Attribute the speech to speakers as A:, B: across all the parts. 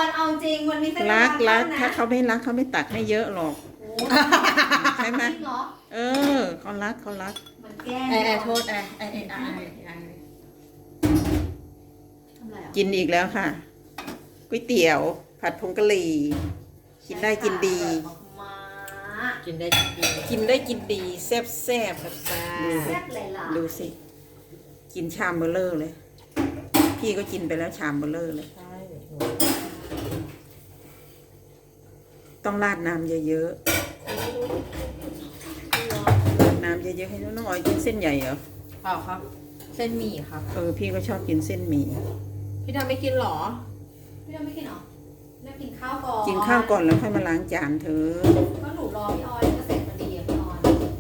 A: อนเอาจริงวันนี้เป็น
B: รัก
A: นะ
B: ถ้าเขาไม่รักเขาไม่ตักให้เยอะหรอกใช่ไหมเออเขารัก
A: มันแก้
C: โทษทำอะไรอ่ะ
B: กินอีกแล้วค่ะก๋วยเตี๋ยวผัดผงกะหรี่กินได้กินดี
C: กินได้กินดี
B: กินได้กินดีแซ่บ
A: แซ่บเลยล่ะ
B: ดูสิกินชามเบลเลอร์เลย พี่ก็กินไปแล้วชามเบลเลอร์เลย
C: ใช่
B: ต้องราดน้ำเยอะๆราดน้ำเยอะๆให้น้องออยกินเส้นใหญ่เหรอ
C: เปล่าครับ เส้นหมี่ครับ
B: พี่ก็ชอบกินเส้นหมี่
C: พี่ดำไม่กินหรอ
A: พี่ดำไม่กินหรอไม่กินข้าวก่อน
B: กินข้าวก่อนแล้วค่อยมาล้างจานเธอ
A: ก็หนูรอพี่ออยก็เสร็จพอดีอ่ะพี่ออย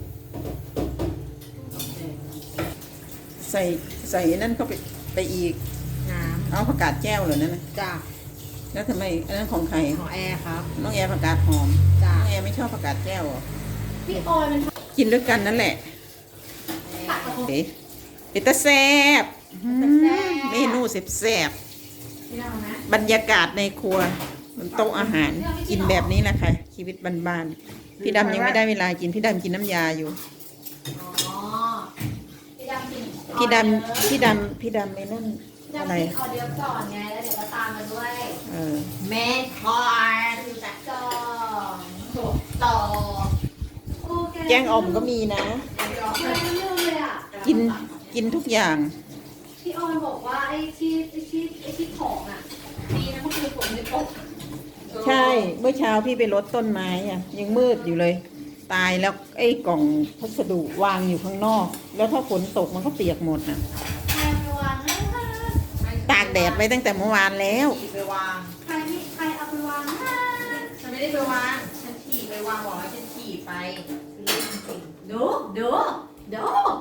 B: ใส่นั่นเข้าไปอีก
C: น้
B: เอาผักกาดแก้วเหรอนั่นนะ
C: ำจ้า
B: แล้วทำไมอันนั้นของใคร
C: ของแอร์ครับ
B: น้องแอร์ผักกาดหอม
C: จ้า
B: น้องแอร์ไม่ชอบผักกาดแก้วเหรอ
A: พี่ออยมัน
B: กินด้วยกันนั่นแหละ
A: ผัดกระทง
B: เอ๊ะเป็นตาแซ่บเมนูแซ่บ
A: พี่ดำนะ
B: บรรยากาศในครัวบนโต๊ะอาหารกินแบบนี้แหละค่ะชีวิตบ้านๆพี่ดำยังไม่ได้เวลากินพี่ดำกินน้ำยาอยู่
A: อ๋อพี่ดำกิน
B: พี่ดำไม่นั่น
A: ดำ
B: อะไร
A: กินออเดียวก่อนไงแล้วเดี๋ยวก็ตามมาด้วย
C: เมนคอร์น
A: จัดจองต่อโอเค
B: แกงอ่อมก็มีนะ
A: ไม่ลืมเลยอ่ะ
B: กินทุกอย่าง
A: พี่ออยบอกว่าไอ้ที่ของอ่ะดีนะเมื่อคืนฝนไม่ตก
B: ใช่เมื่อเช้าพี่ไปรดต้นไม้อะยังมืดอยู่เลย ตายแล้วไอ้กล่องพัสดุวางอยู่ข้างนอก แล้วถ้าฝนตกมันก็เปียกหมดน่ะ
A: ใครไปวางให้ค่ะ
B: ตากแดดไว้ตั้งแต่เมื่อวานแล้ว
C: ขี่ไปวาง
A: ใครเอาไปวางให้
C: ฉันไม่ได้ไปวาง ฉันขี่ไปวางบอกว่าฉันขี่ไปเรื่องจริง
A: ดู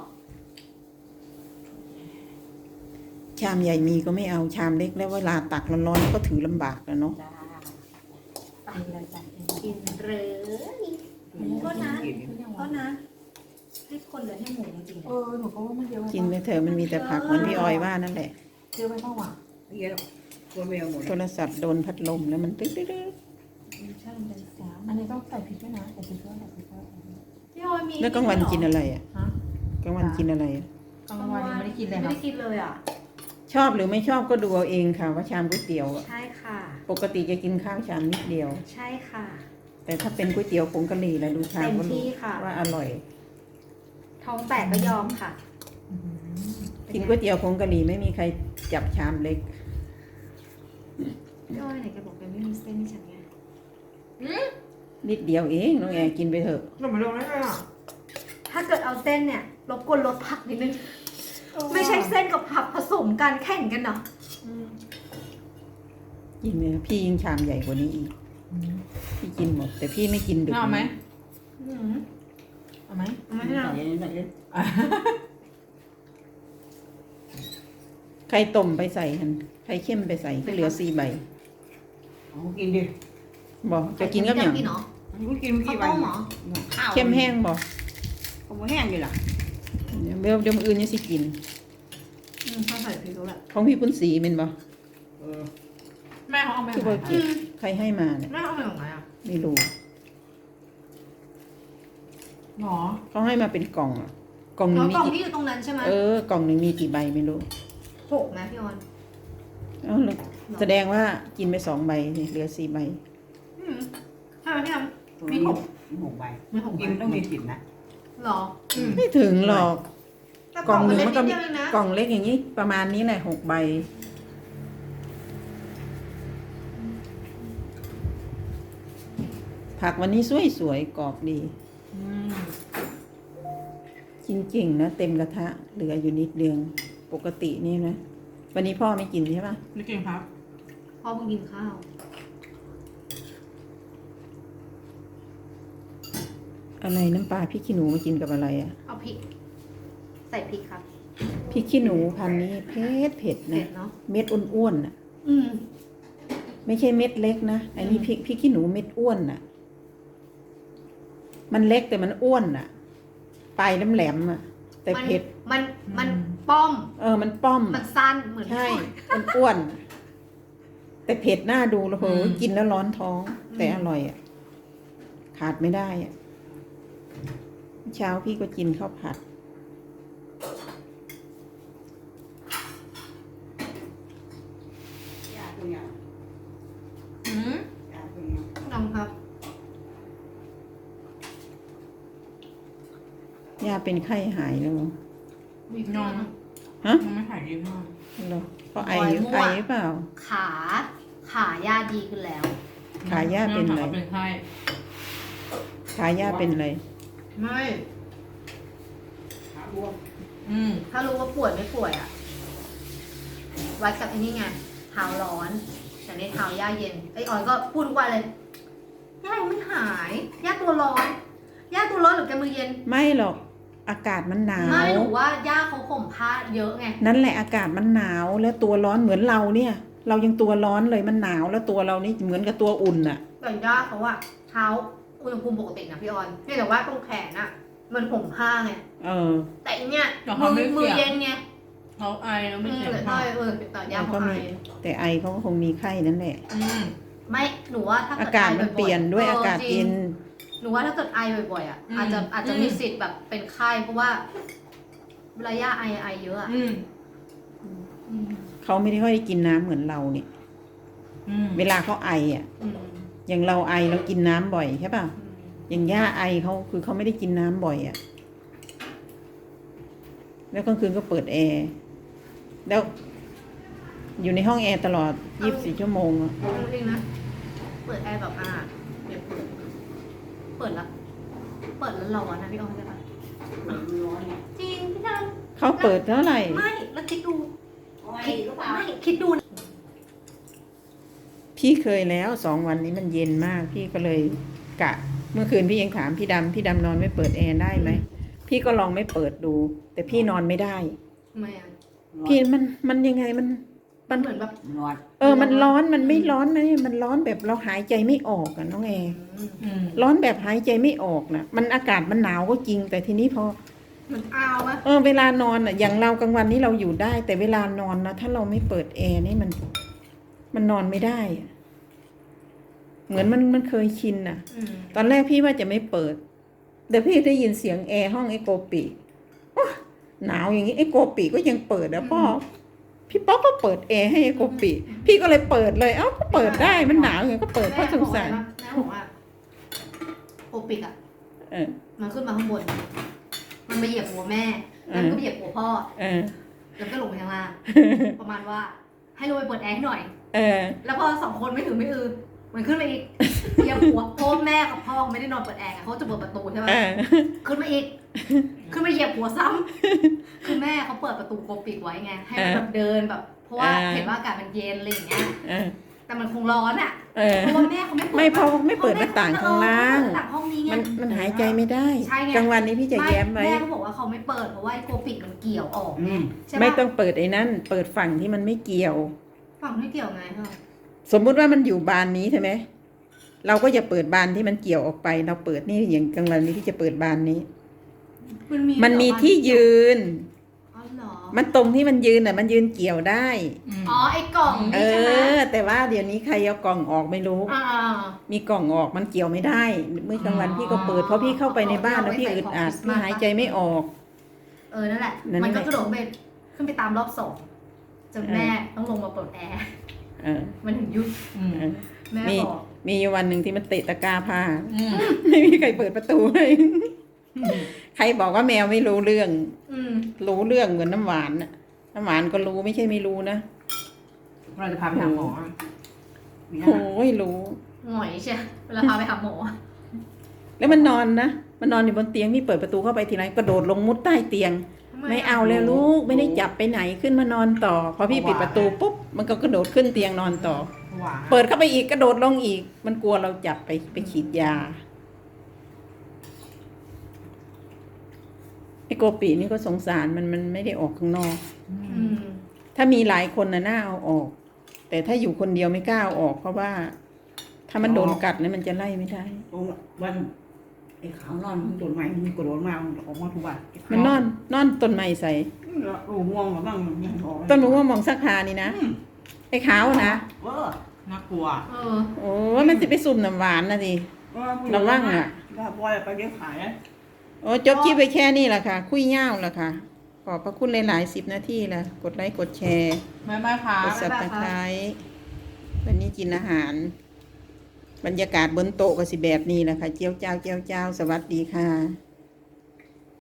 B: ชามใหญ่มีก็ไม่เอาชามเล็กแล้วเวลาตักร้อนๆก็ถือลำบากแล้วเนาะ
C: จ้าไปเลยจ้ะ
A: กินหรือก็นะให้คนเหลือให้หมูจริง
C: หนูก็ว่ามันเยอะ
B: กินไปเถอะมันมีแต่ผักเหมือนพี่ออยว่านั่นแหละ
C: เยอะไปเปล่าวะเยอะตัวเมียหมด
B: โทรศัพท์โดนพัดลมแล้วมันตึ๊ด
C: ใช่มันเป็นสามอันนี้ต้องใส่พริกด้วยนะใส่พริกด้วยใส่พริกด้วย
A: ๆพี่ออยมี
B: แล้วกลางวันกินอะไรอ่ะ
C: ฮะ
B: กลางวันกินอะไรอะ
C: กลางวันยังไม่ได้กินเลย
A: ไม่
C: ครั
A: ได้
C: บ
A: กินเลยอ่ะ
B: ชอบหรือไม่ชอบก็ดูเอาเองค่ะว่าชามก๋วยเตี๋ยวอะ
A: ใช่ค่ะ
B: ปกติจะกินข้าวชามนิดเดียว
A: ใช่ค่ะ
B: แต่ถ้าเป็นก๋วยเตี๋ยวผงกะหรี่แล้วดูชามก็
A: เต็มที่
B: รู้
A: ค่ะ
B: ว่าอร่อย
A: ท้องแตกก็ยอมค่ะ
B: กินก๋วยเตี๋ยวผงกะหรี่ไม่มีใครจับชามเล็ก
A: พี่ออยไหนแกบอกแกไม่มีเส้นให้ฉันไง
B: นิดเดียวเองน้องแอร์กินไปเถอะ
C: หนูไม่ลงได้เลยอ่ะ
A: ถ้าเกิดเอาเส้นเนี่ยรบกวนลดผักนิดนึงไม่ใช่เส้นกับผักผสมกันแข่งกันเนาะ
B: กินเลยพี่ยิงชามใหญ่กว่านี้อีกพี่กินหมด แต่พี่ไม่กินดึก
C: เอาไหม
A: อืม
C: เอาไหม
A: เอามาให้เรา
B: ไข่ต้มไปใส่หันไข่เข้มไปใส่ก็เหลือ4 ใบ
D: เอากินดิ
B: บอกจะกินกับอย่าง
A: กินเหรอ
D: กูกิน
A: ข้าว
D: กี่ใบ
A: ต้มเหรอ
D: ข้าว
B: เข้มแห้งบอก
D: เขาบ่แห้งอยู่ล่ะ
B: เดี๋ยวมื้ออื่นยังสิกิน
A: ข้าวใส่พริกแล้วแหละ
B: ของพี่ปุ้นสีเป็นบ่
D: เออ
C: แม่เขาเอาไป
B: ที่บ่เก็บใครให้มาเนี่ย
C: แม่เอาไปของไหนอ่ะ
B: ไม่รู้
C: หรอ
B: เขาให้มาเป็นกล่องอะกล่องหนึ
A: แล้
B: ง
A: ว
B: มี
A: กล่อง
B: กี่
A: ที่อยู่ตรงนั้นใช่ไหม
B: กล่องหนึงมีกี่ใบไม่รู้
A: 6นะพี่ออน
B: เอ้าแล้วแสดงว่ากินไป2 ใบนี่เหลือ4 ใบ
A: ใช่ไหมพี่ออน
D: มี6 ใบ
A: มี6
D: กินต้องมีกลิ่นนะ
A: หรอ
B: ไม่ถึงหรอก
A: แต่
B: กล่องหนึ่ง
A: เล็
B: มันก็
A: ด
B: มี
A: เดียวเองนะ
B: กล่องเล็กอย่างนี้ประมาณนี้แหละ6 ใบ ผักวันนี้สวยๆกรอบดี กินเก่งนะเต็มกระทะเหลืออยู่นิดเดียวปกตินี่นะวันนี้พ่อไม่กินใช่ปะ
C: ไม่กินครับ
A: พ่อเพิ่งกินข้าว
B: อะไรน้ำปลาพริกขี้หนูมากินกับอะไรอะ
A: เอาพริก ใส่พริกครับ
B: พริกขี้หนูพันธุ์นี้เผ็ด
A: เผ็
B: นะ
A: ดเนาะ
B: เม็ดอ้วนๆน่ะ
A: อืม
B: ไม่ใช่เม็ดเล็กนะอันนี้พริกขี้หนูเม็ดอ้วนน่ะ มันเล็กแต่มันอ้วนน่ะปลายแหลมๆอ่ะ แต่เผ็ด
A: มันป้อม
B: มันป้อม
A: มันสั้นเหมือน
B: ใช่มันอ้วนแต่เผ็ดหน้าดูแล้วโห
C: อืม
B: กินแล้วร้อนท้อง แต่อร่อยอ่ะ ขาดไม่ได้อ่ะ เช้าพี่ก็กินข้าวผัด
D: ยาตัวเนี้ย
C: อืม
D: ยาตัวเนี้ย
A: ลองครับ
B: ย่าเป็นไข้หายแล้วเหรอ
C: นอน
B: ฮะ
C: ยังไม่หายดีมาก
B: เหรอเพราะไอ
A: บ่อยมั่ว
B: ไอหรือเปล่า
A: ขาย่าดีขึ้นแล้ว
B: ขาย่าเป็นอะไร
C: เป็นไข้
B: ขาย่าเป็นอะไร
A: ไม่
D: ขาบวม
C: อืม
A: ถ้ารู้ว่าป่วยไม่ป่วยอ่ะ วัดกับไอ้นี่ไง เท้าร้อน แต่ในเท้าย่าเย็น ไอ้ออยก็พูดทุกวันเลย ย่ายังไม่หาย ย่าตัวร้อน ย่าตัวร้อนหรือแกมือเย็น
B: ไม่หรอก อากาศมันหนา
A: ไม่
B: ว
A: หนูว่าย่าเขาห่มผ้าเยอะไง
B: นั่นแหละอากาศมันหนาวแล้วตัวร้อนเหมือนเราเนี่ย เรายังตัวร้อนเลยมันหนาวแล้วตัวเรานี่เหมือนกับตัวอุ่นอ่ะ
A: แต่ย่าเขาอะเท้าอุณหภูมิปกตินะพี่ออนเพียงแต่ว่าตรงแขนอะมันห่มผ้าไง
B: เออ
A: แต่อันเนี้ย
C: แต่เขาไม่
A: มือ
C: เกี่ยว
A: เย็นไง
C: เขาไอแล้วไม่
A: อืม
C: เจ็บ
A: แต่
C: มาก
A: แต่ย่าเขาไอ
B: แต่ไอเขาก็คงมีไข้นั่นแหละ
C: อืม
A: ไม่หนูว่าถ้า
B: อา
A: เกิด
B: กาศ
A: ไอ
B: มัน
A: บ่อยๆ
B: เปลี่ยนด้วยอากาศ
A: จริ
B: เย็
A: ง
B: น
A: หนูว่าถ้าเกิดไอบ่อยๆอะ
C: อืม
A: อาจจะ
C: อืม
A: มีสิทธิ์แบบเป็นไข้เพราะว่าเวลาย่าไอเยอะอะ
C: อืม
A: อืม
B: เขาไม่ได้ค่อยกินน้ำเหมือนเราเนี่ย
C: อืม
B: เวลาเขาไออ่ะ
A: อืม
B: อย่างเราไอเรากินน้ำบ่อยใช่ป่ะ
A: อืม
B: อย่างย่าไอเขาคือเขาไม่ได้กินน้ำบ่อยอ่ะ แล้วกลางคืนก็เปิดแอร์ แล้ว อยู่ในห้องแอร์ตลอด 24 ชั่วโมงอะ
A: เอาจริงๆนะเปิดแอร์แบบเดี๋ยวเปิดแล้วร้อนนะพี่ออนใช่ปะ
D: ร้อนเนี่ย
A: จริงพี่ด
B: เขาเปิดเท่าไหร่
A: ำไม่แล้วคิดดู
D: เอาไว้
A: คิด
D: หรือเปล่า
A: ไม่คิดดูนะ
B: พี่เคยแล้ว2 วันนี้มันเย็นมาก พี่ก็เลยกะ เมื่อคืนพี่ยังถามพี่ดำนอนไม่เปิดแอร์ได้ไหม พี่ก็ลองไม่เปิดดู แต่พี่นอนไม่ได้
A: ทำไมอ่ะ
B: พี่มันยังไงมัน
A: มันเหมือนแบบ
D: ร้อน
B: มันร้อนมันไม่ร้อนไหมมันร้อนแบบเราหายใจไม่ออกอะน้องแอร์
C: อืม
B: ร้อนแบบหายใจไม่ออกนะมันอากาศมันหนาวก็จริง แต่ทีนี้พอ
A: เหมือนอ้าวอะ
B: เวลานอนอะอย่างเรากลางวันนี้เราอยู่ได้ แต่เวลานอนนะถ้าเราไม่เปิดแอร์นี่มันนอนไม่ได้อะเหมือนมันเคยชินอะตอนแรกพี่ว่าจะไม่เปิดแต่พี่ได้ยินเสียงแอร์ห้องไอ้โกปิโอ๊ยหนาวอย่างนี้ไอ้โกปิก็ยังเปิดนะพ่อพี่ป๊อกก็เปิดแอร์ให้ไอ้โกปิพี่ก็เลยเปิดเลยก็เปิดได้มันหนาวอย่างนี้ก็เปิดเพราะสงสาร
A: แม่บอกว่าโอปิกอะ
B: เออ
A: มันขึ้นมาข้างบน มันไปเหยียบหัวแม่แล้วมันก็ไปเหยียบหัวพ่อ
B: เออ
A: แล้วก็ลงไปข้างล่างประมาณว่า ให้ลงไปเปิดแอร์ให้หน่อย
B: เออ
A: แล้วพอ2 คนไม่ถึงไม่อือมันขึ้นมาอีกเหยียบหัวเพราะว่าแม่กับพ่อไม่ได้นอนเปิดแอร์ไงเขาจะเปิดประตูใช่ไหม
B: เออ
A: ขึ้นมาอีก ขึ้นมาเหยียบหัวซ้ำคือแม่เขาเปิดประตูโกปิกไว้ไง ให้มันแบบเดินแบบ เพราะว่าเห็นว่าอากาศมันเย็นอะไรอย่างเงี้ย
B: เออ
A: แต่มันคงร้อนอ่ะ
B: เออ
A: เพราะว่าแม่เขาไม่เปิด
B: ไม่เพราะไม่เปิดหน้าต่างข้างล่าง
A: เปิดหน้ต่างห้องนี้ไง
B: มันหายใจไม่ได้
A: ใช่ไง
B: กลางวันนี้พี่จะแย้มไว้
A: แม่เขาบอกว่าเขาไม่เปิดเพราะว่าไอ้โกปิกมันเกี่ยวออกไงใช่ปะ
B: ไม่ต้องเปิดไอ้นั่น เปิดฝั่งที่มันไม่เกี่ยว
A: ฝั่งไม่เกี่ยวไงเหรอ
B: สมมุติว่ามันอยู่บานนี้ใช่ไหม เราก็จะเปิดบานที่มันเกี่ยวออกไป เราเปิดนี่อย่างกลางวันนี้พี่จะเปิดบานนี้ มันมีที่ยืน
A: อ๋อเหรอ
B: มันตรงที่มันยืนน่ะ มันยืนเกี่ยวได้
C: อืม
A: อ๋อไอ้กล่อง
B: เอ
A: นี่ใช่ไหม
B: แต่ว่าเดี๋ยวนี้ใครเอากล่องออกไม่รู้
A: อ่า
B: มีกล่องออกมันเกี่ยวไม่ได้ เมื่อกลางวันพี่ก็เปิด เพราะพี่เข้าไปในบ้านแล้วพี่อึดอัดพี่หายใจไม่ออก
A: นั่นแหละ
B: นั่นแหละ
A: มันก็กระโดดไปขึ้นไปตามรอบ2จนแม่ต้องลงมาเปิดแอร์
B: เออ
A: มันถึงยุบ
C: อืม
B: เออ
A: แม่
B: มี
A: บอก
B: มีอยู่วันหนึ่งที่มันเตะตะกร้าผ้า
C: อืม
B: ไม่มีใครเปิดประตูให้ใครบอกว่าแมวไม่รู้เรื่อง
A: อืม
B: รู้เรื่องเหมือนน้ำหวานน่ะ น้ำหวานก็รู้ไม่ใช่ไม่รู้นะ
C: เราจะพาไปหาหมอ
D: มีนะ
B: โอ้ยรู้
A: หงอยใช่เวลาพาไปหาหมอ
B: แล้วมันนอนนะ มันนอนอยู่บนเตียงนี่เปิดประตูเข้าไปทีไรกระโดดลงมุดใต้เตียง ไม่เอาแล้วลูกไม่ได้จับไปไหนขึ้นมานอนต่อ พอพี่ปิดประตูปุ๊บมันก็กระโดดขึ้นเตียงนอนต่อ
C: หวาน
B: เปิดเข้าไปอีกกระโดดลงอีก มันกลัวเราจับไปฉีดยาไอ้โกปีนี่ก็สงสารมันไม่ได้ออกข้างนอก
A: อืม
B: ถ้ามีหลายคนน่ะน่าเอาออก แต่ถ้าอยู่คนเดียวไม่กล้าเอาออก เพราะว่า ถ้ามันโดนกัดเนี่ยมันจะไล่ไม่ได้
D: ตรงวันไอ้ขาวนอนมันโดนไม้มันกระโดดมามันออกมาทุกวัน
B: มันนอนต้นไม้ใส่
D: โอ้ง่วงหรือบ้างมันออก
B: ต้นมะม่วงมองสักพานี่นะ ไอ้ขาวนะ
D: เออ
C: น่ากลัว
A: เออ
B: โอ้ยมันสิไปสุ่มน้ำหวานนะดิ ระวังอะ
D: ถ้าบอยไปเดี๋ยวขายนะ
B: โอ้จบคลิปไปแค่นี้แหละค่ะ คุยยาวแล้วค่ะ ขอบพระคุณหลายๆ10 นาทีแล้วกดไลค์กดแชร์
C: ไม่ไม่ค่ะ
B: กดซับสไครต์วันนี้กินอาหาร บรรยากาศบนโต๊ะก็สิแบบนี้แหละค่ะ เจียวเจ้า สวัสดีค่ะ